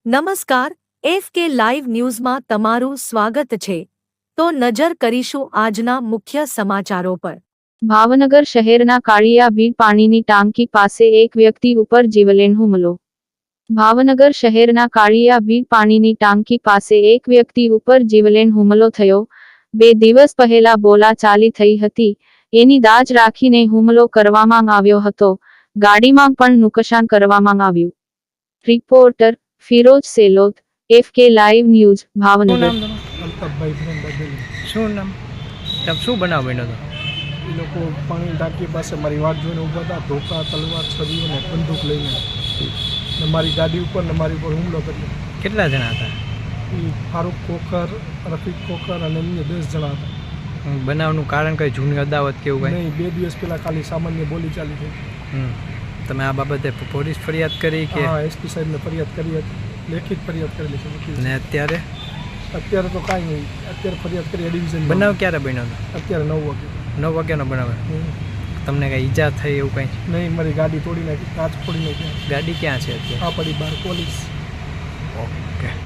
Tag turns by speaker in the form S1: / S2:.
S1: નમસ્કાર, FK live ન્યૂઝમાં તમારું સ્વાગત છે. તો નજર કરીશું આજના મુખ્ય સમાચારો પર.
S2: ભાવનગર શહેરના કાળિયા બીડ પાણીની ટાંકી પાસે એક વ્યક્તિ ઉપર જીવલેણ હુમલો. ભાવનગર શહેરના કાળિયા બીડ પાણીની ટાંકી પાસે એક વ્યક્તિ ઉપર જીવલેણ હુમલો થયો. 2 દિવસ પહેલા બોલાચાલી થઈ હતી. એની દાજ રાખીને હુમલો કરવામાં આવ્યો હતો. ગાડીમાં પણ નુકસાન કરવામાં આવ્યું. Reporter Firoj Selot, FK live news, Bhavnagar.
S3: Altafbhai from Badeli.
S4: શું નામ? શું બનાવ બન્યો હતો?
S3: એ લોકો પાણી ટાંકી પાસે મારી વાટ જોઈને ઊભા હતા. ધોકા, તલવાર, છરીઓ ને બંદૂક લઈને ને મારી ગાડી ઉપર ને મારી ઉપર હુમલો કર્યો.
S4: કેટલા જણા હતા?
S3: એ ફારૂક કોકર, રફીક કોકર અને અન્ય 10 જણા હતા.
S4: બનાવનું કારણ કઈ જૂની અદાવત કે એવું કંઈ?
S3: નહીં, 2 દિવસ પહેલાં ખાલી સામાન્ય બોલી ચાલી થઈ.
S4: તમે આ બાબતે પોલીસ ફરિયાદ કરી કે?
S3: હા, એસપી સાહેબને ફરિયાદ કરી હતી, લેખિત ફરિયાદ કરેલી છે વકીલ
S4: ને
S3: સાહેબ. અત્યારે તો કાંઈ નહીં, અત્યારે ફરિયાદ કરી ડિવિઝન.
S4: બનાવ ક્યારે બન્યો હતો?
S3: અત્યારે 9 વાગે.
S4: 9 વાગ્યાનો બનાવ. તમને કઈ ઈજા થઈ એવું કંઈ?
S3: નહીં, મારી ગાડી તોડી નાખી, કાચ ફોડી નાખી.
S4: ગાડી ક્યાં છે અત્યારે?
S3: આ પડી બહાર પોલીસ.
S4: ઓકે.